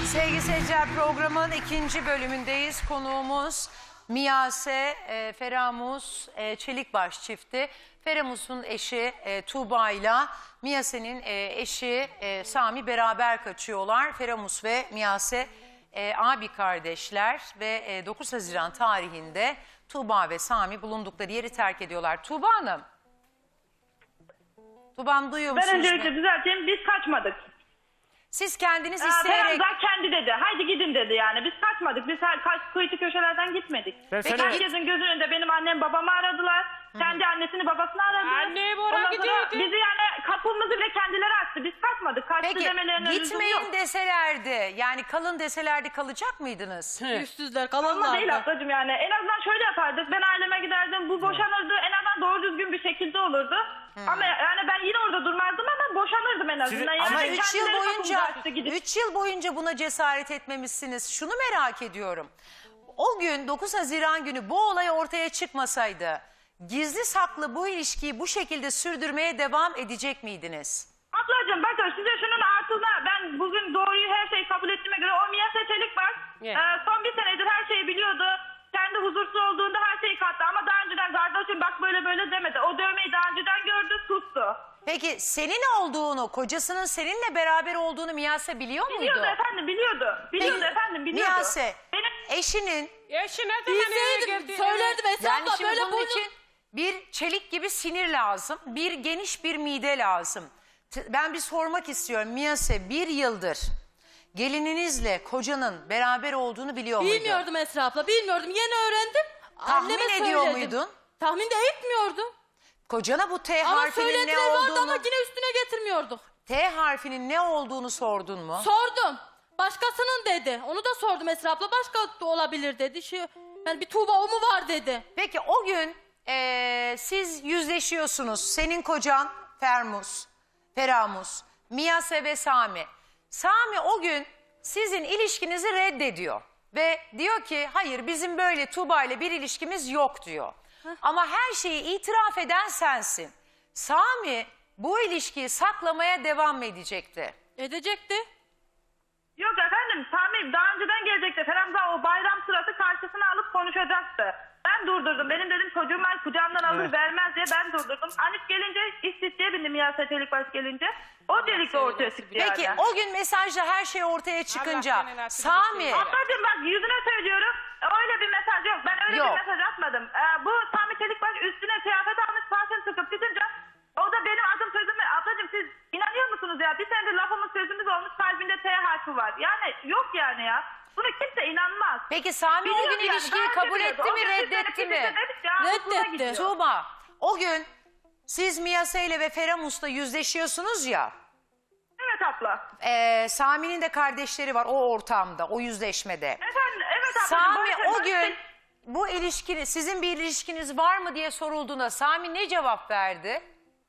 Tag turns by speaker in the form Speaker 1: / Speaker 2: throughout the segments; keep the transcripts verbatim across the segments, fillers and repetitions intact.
Speaker 1: Sevgili seyirciler, programın ikinci bölümündeyiz. Konuğumuz Miyase, e, Feramus e, Çelikbaş çifti. Feramus'un eşi e, Tuğba ile Miyase'nin e, eşi e, Sami beraber kaçıyorlar. Feramus ve Miyase e, abi kardeşler ve e, dokuz Haziran tarihinde Tuğba ve Sami bulundukları yeri terk ediyorlar. Tuğba Hanım. Tuğba Hanım, duyuyor musunuz?
Speaker 2: Ben öncelikle düzelteyim, biz kaçmadık.
Speaker 1: Siz kendiniz
Speaker 2: Aa,
Speaker 1: isteyerek...
Speaker 2: Ferhat kendi dedi. Haydi gidin dedi yani. Biz kaçmadık. Biz her kaç kıyıcı köşelerden gitmedik.
Speaker 3: Ben
Speaker 2: Peki,
Speaker 3: sana-
Speaker 2: herkesin gözünün önünde benim annem babamı aradılar. Hı-hı. Kendi annesini babasını aradı.
Speaker 3: Anne, Bora
Speaker 2: Ondan sonra
Speaker 3: gidiyordu.
Speaker 2: bizi yani kapımızı bile kendileri açtı. Biz kaçmadık. Kaçtı
Speaker 1: Peki
Speaker 2: demelerinin lüzumu
Speaker 1: gitmeyin
Speaker 2: yok.
Speaker 1: deselerdi, yani kalın deselerdi kalacak mıydınız?
Speaker 4: Yüzsüzler
Speaker 2: Ama
Speaker 4: kalanlar
Speaker 2: değil
Speaker 4: da.
Speaker 2: ablacığım yani. En azından şöyle yapardık. Ben aileme giderdim. Bu boşanırdı. En azından doğru düzgün bir şekilde olurdu. Ama yani ben yine orada durmazdım ama boşanırdım en azından. Yani
Speaker 1: Ama
Speaker 2: ben
Speaker 1: üç yıl
Speaker 2: kendileri
Speaker 1: boyunca,
Speaker 2: kapımızı açtı gidip.
Speaker 1: üç yıl boyunca buna cesaret etmemişsiniz. Şunu merak ediyorum. O gün dokuz Haziran günü bu olay ortaya çıkmasaydı, gizli saklı bu ilişkiyi bu şekilde sürdürmeye devam edecek miydiniz?
Speaker 2: Ablacığım bakın size şunun altına ben bugün doğruyu her şeyi kabul ettiğime göre o Miyase Çelikbaş
Speaker 3: Yeah.
Speaker 2: e, son bir senedir her şeyi biliyordu. Kendi huzursuz olduğunda her şeyi kattı ama daha önceden kardeşim bak böyle böyle demedi. O dövmeyi daha önceden gördü, sustu.
Speaker 1: Peki senin olduğunu, kocasının seninle beraber olduğunu Miyase biliyor muydu?
Speaker 2: Biliyordu efendim, biliyordu. Biliyordu
Speaker 1: Peki,
Speaker 2: efendim, biliyordu.
Speaker 1: Miyase,
Speaker 2: Benim
Speaker 1: eşinin,
Speaker 3: Eşi ne zaman eve
Speaker 4: Bilseydim
Speaker 3: geldi?
Speaker 4: söylerdim Esra
Speaker 1: yani
Speaker 4: abla
Speaker 1: şimdi
Speaker 4: böyle
Speaker 1: bunun
Speaker 4: boynum.
Speaker 1: için bir çelik gibi sinir lazım, bir geniş bir mide lazım. T- Ben bir sormak istiyorum. Miyase, bir yıldır gelininizle kocanın beraber olduğunu biliyor muydun?
Speaker 4: Bilmiyordum Esra abla, bilmiyordum. Yeni öğrendim.
Speaker 1: Tahmin
Speaker 4: Anneme
Speaker 1: ediyor
Speaker 4: söyledim.
Speaker 1: muydun?
Speaker 4: Tahmin de etmiyordum.
Speaker 1: Kocana bu T
Speaker 4: Ama
Speaker 1: harfinin ne
Speaker 4: söylediler vardı
Speaker 1: olduğunu,
Speaker 4: ama yine üstüne getirmiyorduk.
Speaker 1: T harfinin ne olduğunu sordun mu?
Speaker 4: Sordum. Başkasının dedi. Onu da sordum Esra abla. Başka da olabilir dedi. Şu, yani bir Tuğba o mu var dedi.
Speaker 1: Peki o gün eee, siz yüzleşiyorsunuz. Senin kocan Fermus, Feramus, Miyase ve Sami. Sami o gün sizin ilişkinizi reddediyor. Ve diyor ki hayır, bizim böyle Tuğba ile bir ilişkimiz yok diyor. Ama her şeyi itiraf eden sensin. Sami bu ilişkiyi saklamaya devam edecekti.
Speaker 4: Edecekti.
Speaker 2: Yok efendim, Sami daha önceden gelecekti. Ferhat daha o bayram sırası karşısına alıp konuşacaktı. Ben durdurdum. Benim dedim çocuğum var kucağımdan alır
Speaker 3: Evet.
Speaker 2: vermez diye ben durdurdum. Anif gelince istihdiye bindim Miyase Çelikbaş gelince. O delikle ortaya çıktı
Speaker 1: Peki
Speaker 2: yani.
Speaker 1: o gün mesajla her şey ortaya çıkınca
Speaker 3: Allah senin aklını
Speaker 1: Sami...
Speaker 3: düşünüyor.
Speaker 2: Ablacığım bak yüzüne söylüyorum. Öyle bir mesaj yok. Ben öyle
Speaker 1: Yok.
Speaker 2: bir mesaj atmadım. Ee, bu Sami Çelikbaş üstüne kıyafet almış parfüm sıkıp gidince o da benim adım sözümü. Ablacığım siz inanıyor musunuz ya? Bir senedir lafımız sözümüz olmuş, kalbinde T harfi var. Yani yok yani ya. Buna kimse inanmaz.
Speaker 1: Peki Sami o
Speaker 2: Biliyor
Speaker 1: gün
Speaker 2: yani,
Speaker 1: ilişkiyi
Speaker 2: daha önce
Speaker 1: kabul
Speaker 2: biliyordu.
Speaker 1: etti
Speaker 2: O
Speaker 1: mi,
Speaker 2: gün biz
Speaker 1: reddetti
Speaker 2: de
Speaker 1: mi?
Speaker 2: dedik ya, hoşuna
Speaker 4: Reddetti.
Speaker 2: gidiyor.
Speaker 1: Tuğba, o gün siz Miyase ile ve Feramus'la yüzleşiyorsunuz ya.
Speaker 2: Evet abla.
Speaker 1: e, Sami'nin de kardeşleri var o ortamda, o yüzleşmede.
Speaker 2: Efendim evet abla.
Speaker 1: Sami
Speaker 2: Barış-
Speaker 1: o
Speaker 2: Barış-
Speaker 1: gün bu ilişkini, sizin bir ilişkiniz var mı diye sorulduğunda Sami ne cevap verdi?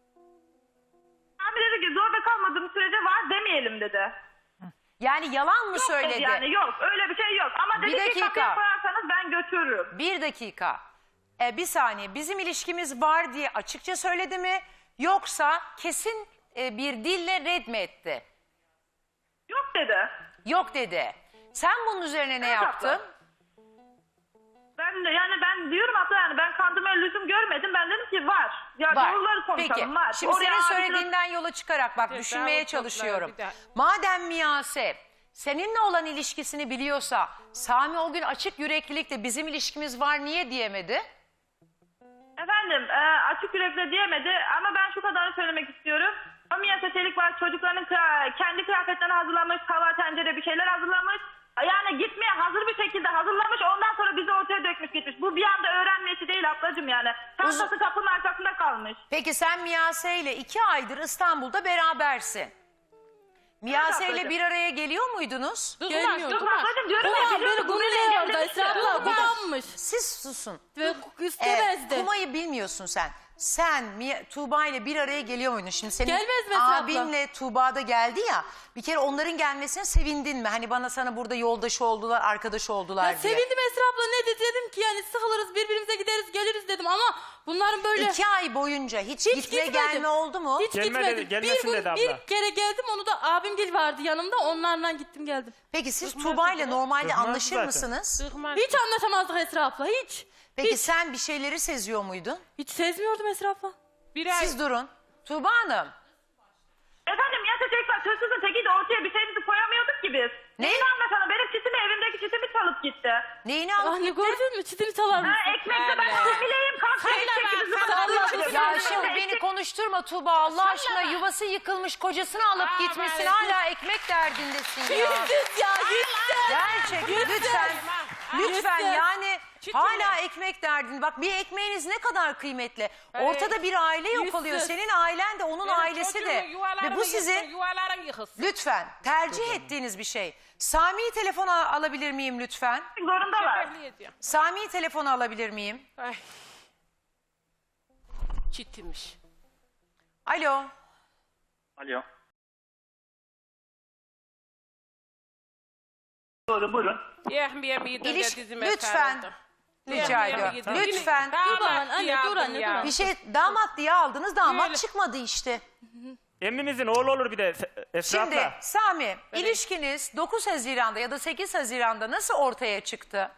Speaker 2: Sami dedi ki zorda kalmadığım sürece var demeyelim dedi.
Speaker 1: Yani yalan mı
Speaker 2: Yok
Speaker 1: söyledi?
Speaker 2: dedi yani yok öyle bir şey yok. Ama
Speaker 1: Bir
Speaker 2: dedi ki
Speaker 1: dakika.
Speaker 2: kapıya koyarsanız ben götürürüm.
Speaker 1: Bir dakika. E, bir saniye, bizim ilişkimiz var diye açıkça söyledi mi? Yoksa kesin e, bir dille red mi etti?
Speaker 2: Yok dedi.
Speaker 1: Yok dedi. Sen bunun üzerine ne
Speaker 2: Evet,
Speaker 1: yaptın?
Speaker 2: abla. Ben de yani ben diyorum abla yani ben kandırmaya lüzum görmedim. Ben dedim ki var. Ya
Speaker 1: Var.
Speaker 2: doğruları konuşalım
Speaker 1: Peki.
Speaker 2: var.
Speaker 1: Şimdi
Speaker 2: Oraya
Speaker 1: senin
Speaker 2: abi-
Speaker 1: söylediğinden yola çıkarak bak
Speaker 3: Bir
Speaker 1: düşünmeye
Speaker 3: daha bu
Speaker 1: çalışıyorum.
Speaker 3: toplar, bir daha.
Speaker 1: Madem Miyase seninle olan ilişkisini biliyorsa Sami o gün açık yüreklilikle bizim ilişkimiz var niye diyemedi?
Speaker 2: Efendim e, açık yürekle diyemedi ama ben şu kadarını söylemek istiyorum. O Miyase Çelikbaş çocuklarının kıra- kendi kıyafetlerini hazırlamış, tava tencere bir şeyler hazırlamış. Yani gitmeye hazır bir şekilde hazırlamış ondan sonra bizi ortaya dökmüş gitmiş. Bu bir anda öğrenmesi değil ablacığım yani. Çantası kapının arkasında kalmış.
Speaker 1: Peki sen Miyase ile iki aydır İstanbul'da berabersin. Miyase ile
Speaker 2: ablacığım.
Speaker 1: bir araya geliyor muydunuz?
Speaker 4: Gelmiyordu.
Speaker 2: Yok ablacığım diyorum ya.
Speaker 4: Kuma
Speaker 2: biliyorum,
Speaker 4: beni
Speaker 2: bu
Speaker 4: gururla
Speaker 2: beni
Speaker 4: yordu
Speaker 2: engellemiş
Speaker 4: Esra
Speaker 2: ya.
Speaker 4: abla. Kumanmış.
Speaker 1: Siz susun.
Speaker 4: Ve
Speaker 1: Ee,
Speaker 4: istemezdi.
Speaker 1: Kuma'yı bilmiyorsun sen. sen Mia- Tuğba ile bir araya geliyor muydun? Şimdi senin
Speaker 4: Gelmez mi Esra abla?
Speaker 1: abinle Tuğba da geldi ya. Bir kere onların gelmesine sevindin mi? Hani bana sana burada yoldaşı oldular, arkadaş oldular
Speaker 4: Ya
Speaker 1: diye.
Speaker 4: sevindim Esra abla, ne dedi, dedim ki yani sıkılırız birbirimize gideriz geliriz dedim ama bunların böyle
Speaker 1: İki ay boyunca hiç,
Speaker 4: hiç
Speaker 1: gitme
Speaker 4: gitmedim.
Speaker 1: gelme oldu mu?
Speaker 4: Hiç
Speaker 3: Gelme
Speaker 4: gitmedim.
Speaker 3: dedi, gelmesin
Speaker 4: bir gün
Speaker 3: dedi abla.
Speaker 4: bir kere geldim, onu da abimgil vardı yanımda, onlarla gittim geldim.
Speaker 1: Peki siz Tuğba ile normalde
Speaker 3: Kızmaz
Speaker 1: anlaşır
Speaker 3: zaten.
Speaker 1: mısınız?
Speaker 4: Hiç anlaşamazdık Esra abla, hiç.
Speaker 1: Peki
Speaker 4: hiç,
Speaker 1: sen bir şeyleri seziyor muydun?
Speaker 4: hiç sezmiyordum Esra abla.
Speaker 5: Bir ay.
Speaker 1: Siz durun. Tuğba Hanım.
Speaker 2: Efendim Miyase Çelik var. Hırsızın tekiydi, ortaya bir şeyimizi koyamıyorduk ki biz.
Speaker 1: Ne?
Speaker 2: Neyini anlatalım? Benim çitimi, evimdeki çitimi çalıp gitti.
Speaker 1: Neyini alıp
Speaker 4: Anne
Speaker 1: gitti?
Speaker 4: gördün mü, çitini çalar mısın?
Speaker 2: Ha, ekmekte ben hamileyim. Kalk
Speaker 5: Salla
Speaker 2: ekmek
Speaker 5: bak,
Speaker 2: bizi
Speaker 5: salla
Speaker 2: bana
Speaker 5: bak.
Speaker 2: alıyorsun.
Speaker 1: Ya
Speaker 2: Ekmek-
Speaker 1: şimdi beni konuşturma Tuğba, Allah aşkına, yuvası yıkılmış kocasını alıp
Speaker 5: Aa,
Speaker 1: gitmişsin,
Speaker 5: evet.
Speaker 1: hala ekmek derdindesin ya.
Speaker 4: Yüzsüz ya, yüzsüz.
Speaker 1: Gerçekten lütfen, lütfen
Speaker 4: Yüzsüz.
Speaker 1: yani
Speaker 5: Çitin
Speaker 1: hala
Speaker 5: mi?
Speaker 1: ekmek derdin. Bak bir ekmeğiniz ne kadar kıymetli.
Speaker 5: Evet.
Speaker 1: Ortada bir aile yok
Speaker 4: Yüzsüz.
Speaker 1: oluyor. Senin ailen de onun
Speaker 5: Benim
Speaker 1: ailesi de.
Speaker 5: çocuğumu,
Speaker 1: Ve
Speaker 5: yuvalarımı
Speaker 1: bu
Speaker 5: yıksın,
Speaker 1: sizin
Speaker 5: yuvaların yıkılsın.
Speaker 1: lütfen tercih ettiğiniz bir şey. Sami'yi telefona alabilir miyim lütfen?
Speaker 2: Zorundalar.
Speaker 5: Şefekli ediyor.
Speaker 1: Sami'yi telefona alabilir miyim?
Speaker 5: Ay. Çitmiş.
Speaker 1: Alo.
Speaker 6: Alo. Buyurun buyurun.
Speaker 5: Yehmiye miydi
Speaker 1: İliş-
Speaker 5: de dizime
Speaker 1: lütfen.
Speaker 5: sarıldı.
Speaker 1: Rica
Speaker 5: Yehmiye
Speaker 1: ediyorum.
Speaker 5: miydi?
Speaker 1: Lütfen.
Speaker 5: Damat
Speaker 4: Dur bana, anne,
Speaker 5: diye
Speaker 4: dur
Speaker 5: aldım
Speaker 4: anne, dur
Speaker 5: ya.
Speaker 4: anne.
Speaker 1: Bir şey damat diye aldınız, damat
Speaker 5: Öyle.
Speaker 1: çıkmadı işte.
Speaker 3: Emmimizin oğlu olur bir de Esra
Speaker 1: Şimdi
Speaker 3: abla.
Speaker 1: Sami, ilişkiniz dokuz Haziran'da ya da sekiz Haziran'da nasıl ortaya çıktı?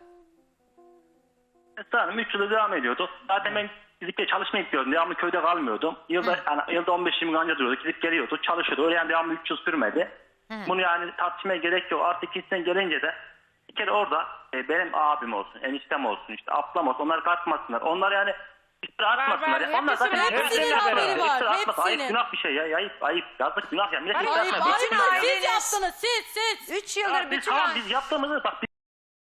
Speaker 6: Esra Hanım üç yıldır devam ediyordu. Zaten ben fizikte çalışmaya gidiyordum. Devamlı köyde kalmıyordum. Yılda, yani, yılda on beş yirmi gün önce duruyorduk. Gidip geliyordu. Çalışıyordu. Öyle yani devamlı üç yıl sürmedi. Bunu yani tartışmaya gerek yok. Artık ikisinden gelince de bir kere orada e, benim abim olsun, eniştem olsun, işte ablam olsun. Onlar katmasınlar. Onlar yani iftira atmasınlar.
Speaker 5: var,
Speaker 6: Ya. Onlar zaten
Speaker 5: hepsinin
Speaker 4: hepsinin
Speaker 6: iftira
Speaker 4: haberi
Speaker 6: atmasınlar.
Speaker 4: var,
Speaker 6: İftira atmasın. Ayıp,
Speaker 4: hepsinin.
Speaker 6: günah bir şey ya. Ayıp, ayıp. Yazık, günah ya. Millet
Speaker 5: Ayıp,
Speaker 6: iftira
Speaker 4: Ayıp,
Speaker 6: atmaz.
Speaker 4: ayıp,
Speaker 1: Bütün
Speaker 4: ayıp. Siz
Speaker 1: aileniz-
Speaker 4: yaptınız, siz, siz.
Speaker 1: Üç yıldır
Speaker 6: Ya biz
Speaker 1: bütün
Speaker 6: tamam
Speaker 1: aile-
Speaker 6: biz yaptığımızı bak biz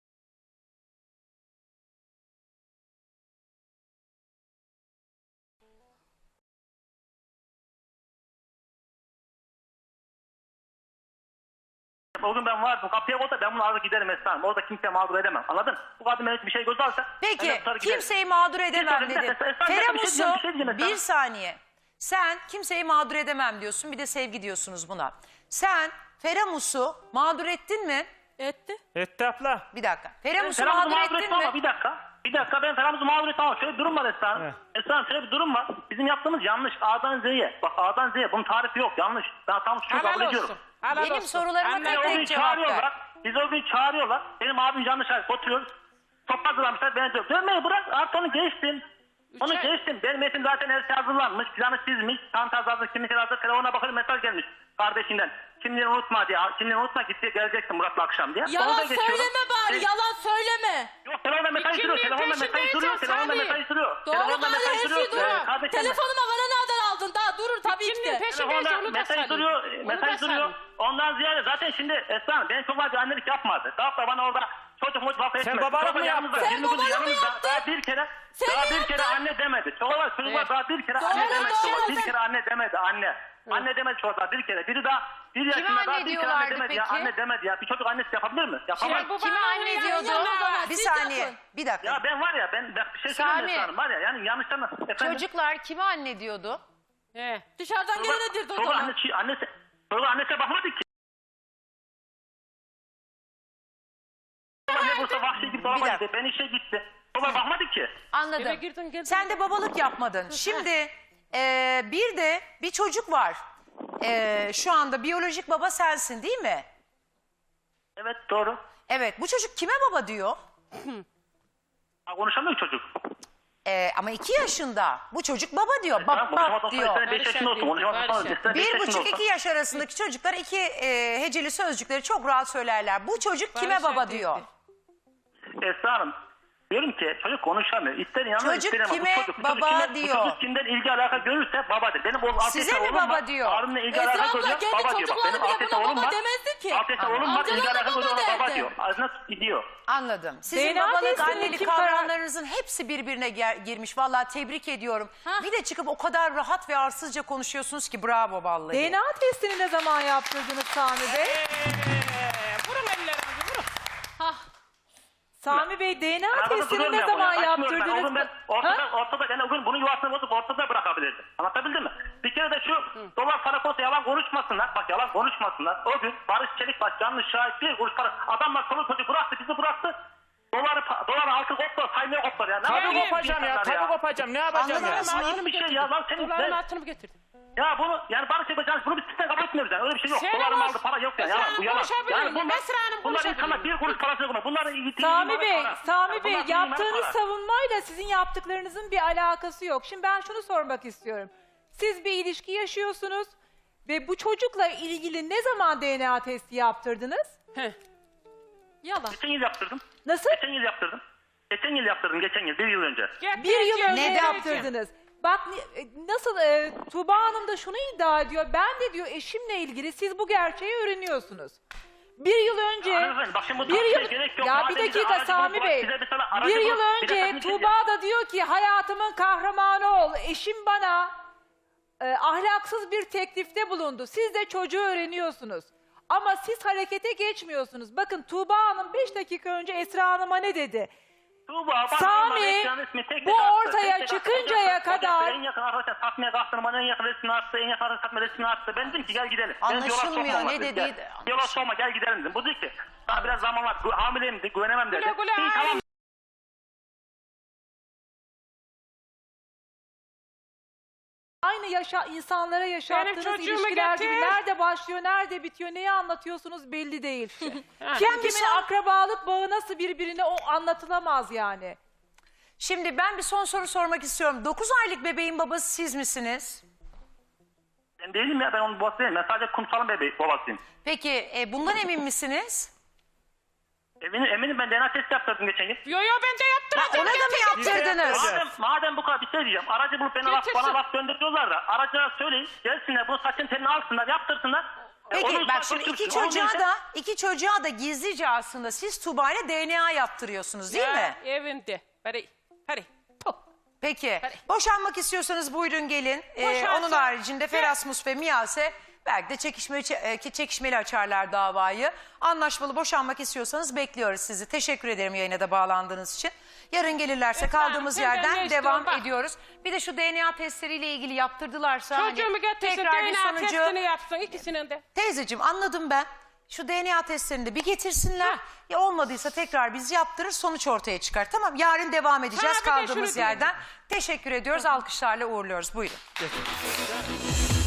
Speaker 6: o gün ben vardım kapıya koysa ben bunu alır giderim Esra Hanım. Orada kimseye mağdur edemem. Anladın? Bu kadın bana bir şey göz alsa. ben
Speaker 1: Peki
Speaker 6: de tutar giderim.
Speaker 1: kimseyi mağdur edemem
Speaker 6: Bir
Speaker 1: dedi.
Speaker 6: saniye, Esra, Esra, bir şey
Speaker 1: Feremus'u
Speaker 6: diyeceğim, bir şey diyeceğim Esra.
Speaker 1: bir saniye. Sen kimseyi mağdur edemem diyorsun, bir de sevgi diyorsunuz buna. Sen Feremus'u mağdur ettin mi?
Speaker 4: Etti.
Speaker 3: Etti abla.
Speaker 1: Bir dakika. Feremus'u
Speaker 6: Feramuz'u
Speaker 1: mağdur
Speaker 6: mağdur
Speaker 1: ettin
Speaker 6: ettim ama
Speaker 1: mi?
Speaker 6: bir dakika. Bir dakika ben Feramuz'u mağdur ettim ama şöyle bir durum var Esra Hanım.
Speaker 3: He.
Speaker 6: Esra Hanım şöyle bir durum var. Bizim yaptığımız yanlış. A'dan Z'ye. Bak A'dan Z'ye bunun tarifi yok yanlış. Ben tam suçu kabul
Speaker 5: Helal
Speaker 6: ediyorum.
Speaker 5: olsun. Helal
Speaker 1: Benim
Speaker 5: olsun.
Speaker 1: sorularıma
Speaker 5: Anne,
Speaker 1: tek
Speaker 6: O
Speaker 1: tek
Speaker 6: gün
Speaker 1: cevap ver.
Speaker 6: çağırıyorlar. Biz o gün çağırıyorlar. Benim abim yanlış hareket oturuyoruz. Top hazırlamışlar. Ben diyorum dönmeyi bırak artık onu geçtim. Onu
Speaker 5: ay.
Speaker 6: geçtim. Benim etim zaten her şey hazırlanmış. Planı çizmiş. Çanta hazır. Kimlik hazır. Telefona bakıyorum mesaj gelmiş kardeşinden. Kimliğini unutma diye. Kimliğini unutma gitti geleceksin Murat'la akşam diye. Onu da
Speaker 4: Yalan
Speaker 6: geçiyorum.
Speaker 4: söyleme bari,
Speaker 6: Şey-
Speaker 4: yalan söyleme.
Speaker 6: Yok telefonda mesaj
Speaker 5: İkinin
Speaker 6: duruyor. Telefonda
Speaker 5: peşinde
Speaker 6: mesaj duruyor.
Speaker 5: yiyeceksin,
Speaker 6: Telefonda
Speaker 5: Sami.
Speaker 6: mesaj duruyor.
Speaker 4: Doğru
Speaker 6: Telefonda
Speaker 4: gari, her
Speaker 6: mesaj
Speaker 4: şey
Speaker 6: duruyor.
Speaker 4: duruyor.
Speaker 6: Ee, kardeşim,
Speaker 4: Telefonuma bana nereden aldın? Daha durur tabii ki
Speaker 5: İkinin
Speaker 4: de.
Speaker 5: peşindeyiz,
Speaker 6: Telefonda
Speaker 5: onu da
Speaker 6: mesaj
Speaker 5: sarayım.
Speaker 6: duruyor.
Speaker 5: Onu
Speaker 6: Mesaj
Speaker 5: da
Speaker 6: duruyor.
Speaker 5: sarayım.
Speaker 6: Ondan ziyade zaten şimdi Esra Hanım benim çok fazla annelik yapmadı. Daha da bana orada çocuk mutlaka laf etmedi.
Speaker 3: babalık
Speaker 6: Çocuk
Speaker 3: mı
Speaker 6: yanımızda,
Speaker 3: yaptın?
Speaker 6: yirmi
Speaker 4: Sen
Speaker 6: gündür
Speaker 4: babalık mı
Speaker 6: yanımızda.
Speaker 4: yaptın?
Speaker 6: Daha bir kere,
Speaker 4: Sen
Speaker 6: daha
Speaker 4: ne
Speaker 6: bir kere
Speaker 4: yaptın?
Speaker 6: anne demedi. Çocuklar çocuklar
Speaker 5: Evet.
Speaker 6: daha bir kere
Speaker 4: Doğru,
Speaker 6: anne demedi.
Speaker 4: doğru.
Speaker 6: Çocuklar. Bir
Speaker 4: Sen-
Speaker 6: kere anne demedi anne. Anne demedi çocuklar bir kere. Biri daha bir yaşında
Speaker 1: anne
Speaker 6: daha bir kere
Speaker 1: diyorlardı
Speaker 6: anne demedi ya.
Speaker 1: peki?
Speaker 6: Anne demedi ya. Bir çocuk annesi yapabilir mi? Yapamaz.
Speaker 5: Şey, bu
Speaker 1: Kime
Speaker 5: bana
Speaker 1: anne
Speaker 5: ya,
Speaker 1: diyordu?
Speaker 5: ya.
Speaker 1: Bir
Speaker 4: Siz
Speaker 1: saniye.
Speaker 4: yapın.
Speaker 1: Bir dakika.
Speaker 6: Ya ben var ya ben, ben bir şey söyleyeyim
Speaker 1: Sami.
Speaker 6: Esra Hanım var ya yani yanlıştan efendim.
Speaker 1: Çocuklar kime anne diyordu?
Speaker 5: He.
Speaker 4: Dışarıdan
Speaker 6: Çocuklar-
Speaker 4: gelene dirdi o
Speaker 6: çocuklar
Speaker 4: zaman.
Speaker 6: annesi, annesi, çocuklar annesine bakmadı ki. Anne burada vahşi gibi
Speaker 1: Bir
Speaker 6: dolaba
Speaker 1: dakika.
Speaker 6: gitti. Ben işe gitti. Baba bakmadı ki.
Speaker 5: Eve
Speaker 1: Anladım.
Speaker 5: girdin, geldin.
Speaker 1: Sen de babalık yapmadın. Şimdi e, bir de bir çocuk var. E, şu anda biyolojik baba sensin değil mi?
Speaker 6: Evet doğru.
Speaker 1: Evet, bu çocuk kime baba diyor?
Speaker 6: Ha, konuşamıyor çocuk.
Speaker 1: E, ama iki yaşında. Bu çocuk baba diyor.
Speaker 6: Tamam,
Speaker 1: Bak
Speaker 6: konuşamadan
Speaker 1: bak
Speaker 6: sonra
Speaker 1: diyor.
Speaker 6: istene beş yaşında olsun. Konuşamadan sonra
Speaker 5: Barış'a.
Speaker 6: istene beş
Speaker 1: Bir
Speaker 6: yaşında
Speaker 1: buçuk
Speaker 6: olsun.
Speaker 1: iki yaş arasındaki çocuklar iki e, heceli sözcükleri çok rahat söylerler. Bu çocuk kime
Speaker 5: Barış'a
Speaker 1: baba
Speaker 5: dedi.
Speaker 1: diyor?
Speaker 6: Esra Hanım. Diyorum ki çocuk konuşamıyor. İster inanır
Speaker 1: Çocuk
Speaker 6: ister inanmaz.
Speaker 1: kime
Speaker 6: Bu çocuk, bu
Speaker 1: baba
Speaker 6: çocuk kime-
Speaker 1: diyor?
Speaker 6: Bu çocuk kimden ilgi alaka görürse babadır. Benim oğlum
Speaker 1: Size
Speaker 6: Afet'e
Speaker 1: mi
Speaker 6: oğlum
Speaker 1: baba
Speaker 6: var.
Speaker 1: diyor?
Speaker 6: Harun'la ilgi
Speaker 4: Esra
Speaker 6: alaka
Speaker 4: abla,
Speaker 6: görüyor.
Speaker 4: kendi
Speaker 6: Baba diyor. Bak
Speaker 4: çocukları
Speaker 6: benim
Speaker 4: bile
Speaker 6: Afet'e
Speaker 4: buna
Speaker 6: oğlum
Speaker 4: baba
Speaker 6: var.
Speaker 4: demezdi ki.
Speaker 6: Afet'e oğlum var.
Speaker 4: Amcalar
Speaker 6: İlgi
Speaker 4: da
Speaker 6: alaka
Speaker 4: baba
Speaker 6: görüyor. Ona baba
Speaker 4: derdi.
Speaker 6: diyor. Ağzına gidiyor.
Speaker 1: Anladım. Sizin
Speaker 5: D N A
Speaker 1: babalık,
Speaker 5: testini
Speaker 1: annelik
Speaker 5: kim karar-
Speaker 1: kavramlarınızın hepsi birbirine ger- girmiş. Vallahi tebrik ediyorum.
Speaker 4: Hah.
Speaker 1: Bir de çıkıp o kadar rahat ve arsızca konuşuyorsunuz ki bravo vallahi.
Speaker 7: D N A testini ne zaman yaptırdınız Sami Bey?
Speaker 5: Ee, vurun ellerinizi vurun.
Speaker 4: Hah.
Speaker 7: Sami Bey D N A
Speaker 6: Arada
Speaker 7: testini
Speaker 6: duruyorum
Speaker 7: ne
Speaker 6: ben
Speaker 7: zaman
Speaker 6: bunu, açmıyorum ben. O
Speaker 7: yaptırdınız?
Speaker 6: gün ben ortada, ortada, yani o gün bunun yuvasını bozup ortada bırakabilirdim. Anlatabildim mi? Bir kere de şu dolar para konusunda yalan konuşmasınlar. Bak yalan konuşmasınlar. O gün Barış Çelikbaş yanlış şahit bir kuruş para. Adamlar çoluk çocuk bıraktı bizi bıraktı. Doları, doları altı koptu saymaya koptu ya. Ne
Speaker 3: Tabii
Speaker 6: yapıyor bu
Speaker 3: kopacağım ya.
Speaker 6: insanlar
Speaker 3: Tabii kopacağım. Ne yapacağım ya?
Speaker 1: Anladınız mı?
Speaker 6: Aynı bir şey ya lan senin
Speaker 5: Doların
Speaker 6: ne?
Speaker 5: altını mı getirdin?
Speaker 6: Ya bunu yani Barış Çelikbaş bunu bir sistem kabul etmiyoruz yani. Öyle bir şey yok.
Speaker 5: Sen
Speaker 6: Dolarım
Speaker 5: ama-
Speaker 6: aldı para yok ya.
Speaker 5: Esra
Speaker 6: Yalan
Speaker 5: Hanım
Speaker 6: bu yalan.
Speaker 5: konuşabilir
Speaker 6: Yani
Speaker 5: mi?
Speaker 6: bunlar,
Speaker 5: Esra Hanım
Speaker 6: bunlar
Speaker 5: konuşabilir
Speaker 6: insanlar
Speaker 5: mi?
Speaker 6: bir kuruş parası yok. Bunların iyi
Speaker 7: Sami Bey,
Speaker 6: para.
Speaker 7: Sami
Speaker 6: Yani
Speaker 7: Bey
Speaker 6: bunlar
Speaker 7: yaptığınız
Speaker 6: para.
Speaker 7: savunmayla sizin yaptıklarınızın bir alakası yok. Şimdi ben şunu sormak istiyorum. Siz bir ilişki yaşıyorsunuz ve bu çocukla ilgili ne zaman D N A testi yaptırdınız?
Speaker 5: Heh.
Speaker 4: Yalan.
Speaker 6: Geçen yıl yaptırdım.
Speaker 7: Nasıl?
Speaker 6: Geçen yıl yaptırdım. Geçen yıl yaptırdım. Geçen yıl. Bir yıl önce.
Speaker 7: Bir yıl önce
Speaker 1: Neden?
Speaker 7: yaptırdınız. Bak ni- e, nasıl e, Tuğba Hanım da şunu iddia ediyor. Ben de diyor eşimle ilgili siz bu gerçeği öğreniyorsunuz. Bir yıl önce
Speaker 6: Hanımefendi, bak şimdi bu
Speaker 7: bir
Speaker 6: tartışmaya
Speaker 7: yıl
Speaker 6: gerek yok.
Speaker 7: ya
Speaker 6: Madem
Speaker 7: bir
Speaker 6: bize
Speaker 7: dakika
Speaker 6: aracı
Speaker 7: Sami
Speaker 6: bulup-
Speaker 7: Bey.
Speaker 6: bize mesela aracı
Speaker 7: Bir yıl
Speaker 6: bulup- bir dakika
Speaker 7: önce
Speaker 6: dinleyeceğim.
Speaker 7: Tuğba da diyor ki hayatımın kahramanı ol. Eşim bana e, ahlaksız bir teklifte bulundu. Siz de çocuğu öğreniyorsunuz. Ama siz harekete geçmiyorsunuz. Bakın Tuğba Hanım beş dakika önce Esra Hanım'a ne dedi?
Speaker 6: Tuğba, bana
Speaker 7: Sami,
Speaker 6: normal ekran resmi tek tek
Speaker 7: bu
Speaker 6: attı,
Speaker 7: ortaya
Speaker 6: tek tek attı.
Speaker 7: çıkıncaya
Speaker 6: Hocam,
Speaker 7: kadar-
Speaker 6: hocam, en yakın arkadaşlar satmaya kalktım. Bana en yakın resmini attı. En yakın arkadaşlar satma resmini attı. Ben dedim ki gel gidelim. Ben yola
Speaker 1: Anlaşılmıyor,
Speaker 6: sokmam
Speaker 1: ne
Speaker 6: dedim,
Speaker 1: dediği
Speaker 6: gel.
Speaker 1: de-
Speaker 6: Yola sokma gel gidelim dedim. Bu dedi ki daha biraz zaman var. Gü- Hamileyim dedi. Güvenemem dedi.
Speaker 5: Güle güle
Speaker 6: İyi tamam.
Speaker 5: hamile.
Speaker 7: Aynı yaşa insanlara yaşattığınız
Speaker 5: çocuğumu
Speaker 7: ilişkiler gibi
Speaker 5: getir.
Speaker 7: nerede başlıyor, nerede bitiyor, neyi anlatıyorsunuz belli değil.
Speaker 5: Ha.
Speaker 7: Kim
Speaker 1: Ben bir
Speaker 7: kimin
Speaker 1: son-
Speaker 7: akrabalık bağı nasıl birbirine o anlatılamaz yani.
Speaker 1: Şimdi ben bir son soru sormak istiyorum. dokuz aylık bebeğin babası siz misiniz?
Speaker 6: Ben değilim ya. Ben onun babası değilim. Ben sadece kumsalın bebeği babasıyım.
Speaker 1: Peki e, bundan emin misiniz?
Speaker 6: Eminim, eminim ben D N A testi yaptırdım geçen yıl.
Speaker 5: Yo yo ben de yaptıracağım.
Speaker 1: Ona da mı yaptırdınız?
Speaker 6: Madem, madem bu kadar bir şey diyeceğim. Aracı bulup bana laf,
Speaker 5: Getirsin.
Speaker 6: bana laf döndürüyorlar da aracılara söyleyin. Gelsinler bunu saçın telini alsınlar yaptırsınlar. E,
Speaker 1: Peki
Speaker 6: onun
Speaker 1: bak
Speaker 6: saç
Speaker 1: şimdi iki
Speaker 6: götürsün. Onun
Speaker 1: çocuğa
Speaker 6: neyse-
Speaker 1: da iki çocuğa da gizlice aslında siz Tuğba ile D N A yaptırıyorsunuz değil
Speaker 5: Ya,
Speaker 1: mi?
Speaker 5: Evinde. Hadi. Hadi. Puh.
Speaker 1: Peki.
Speaker 5: Hadi.
Speaker 1: Boşanmak istiyorsanız buyurun gelin. Ee,
Speaker 5: Boşansın.
Speaker 1: onun haricinde
Speaker 5: Gel.
Speaker 1: Ferasmus ve Miyase belki de çekişme, e, çekişmeli açarlar davayı. Anlaşmalı boşanmak istiyorsanız bekliyoruz sizi. Teşekkür ederim yayına da bağlandığınız için. Yarın gelirlerse
Speaker 5: Efendim,
Speaker 1: kaldığımız
Speaker 5: senden
Speaker 1: yerden
Speaker 5: ne istiyorum
Speaker 1: devam
Speaker 5: bak.
Speaker 1: ediyoruz. Bir de şu D N A testleriyle ilgili yaptırdılarsa
Speaker 5: Çocuğumu
Speaker 1: hani
Speaker 5: getirsin
Speaker 1: tekrar
Speaker 5: D
Speaker 1: bir
Speaker 5: N A
Speaker 1: sonucu...
Speaker 5: testini yapsın ikisinin de.
Speaker 1: Teyzeciğim anladım ben. Şu D N A testlerini de bir getirsinler. Ya olmadıysa tekrar biz yaptırır sonuç ortaya çıkar. Tamam yarın devam edeceğiz
Speaker 5: Ha, bir de şunu
Speaker 1: kaldığımız
Speaker 5: diyeyim.
Speaker 1: yerden. Teşekkür ediyoruz. Alkışlarla uğurluyoruz. Buyurun.